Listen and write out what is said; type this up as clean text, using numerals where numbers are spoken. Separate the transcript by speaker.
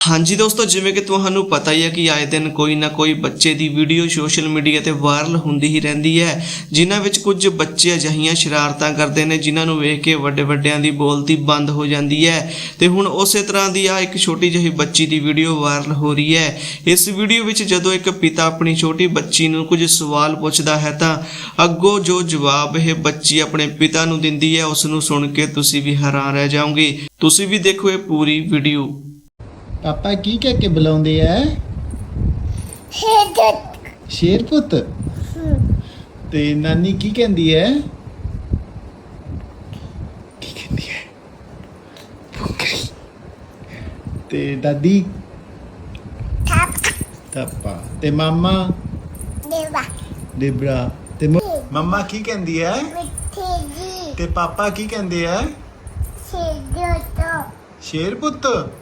Speaker 1: हाँ जी दोस्तों, जिवें कि तुहानू पता ही है कि आए दिन कोई ना कोई बच्चे की वीडियो सोशल मीडिया ते वायरल हुंदी ही रहिंदी है, जिन्हां विच कुछ बच्चे अजिहियां शरारतां करदे ने जिन्हां नू वेख के वड्डे वड्डियां दी बोलती बंद हो जाती है। ते हुण उसे तरह दी आ एक छोटी जही बच्ची की वीडियो वायरल हो रही है। इस वीडियो विच जदों एक पिता अपनी छोटी बच्ची नू कुछ सवाल पुछदा है तां अग्गों जो जवाब ये बच्ची अपने पिता नू दिंदी है उस नू सुन के तुसीं भी हैरान रह जाओगे। तुसीं भी देखो ये पूरी वीडियो।
Speaker 2: पापा की कह के बुलाਉਂਦੇ ਐ ਸ਼ੇਰ ਪੁੱਤ ਤੇ ਨਾਨੀ ਕੀ ਕਹਿੰਦੀ ਐ ਭੁੱਖੀ ਤੇ ਦਾਦੀ ਥਾਪਾ ਤੇ ਮਾਮਾ ਦੇਬਰਾ ਤੇ ਮੰਮਾ ਕੀ ਕਹਿੰਦੀ ਐ ਤੇ ਪਾਪਾ ਕੀ ਕਹਿੰਦੇ ਐ ਸ਼ੇਰ ਪੁੱਤ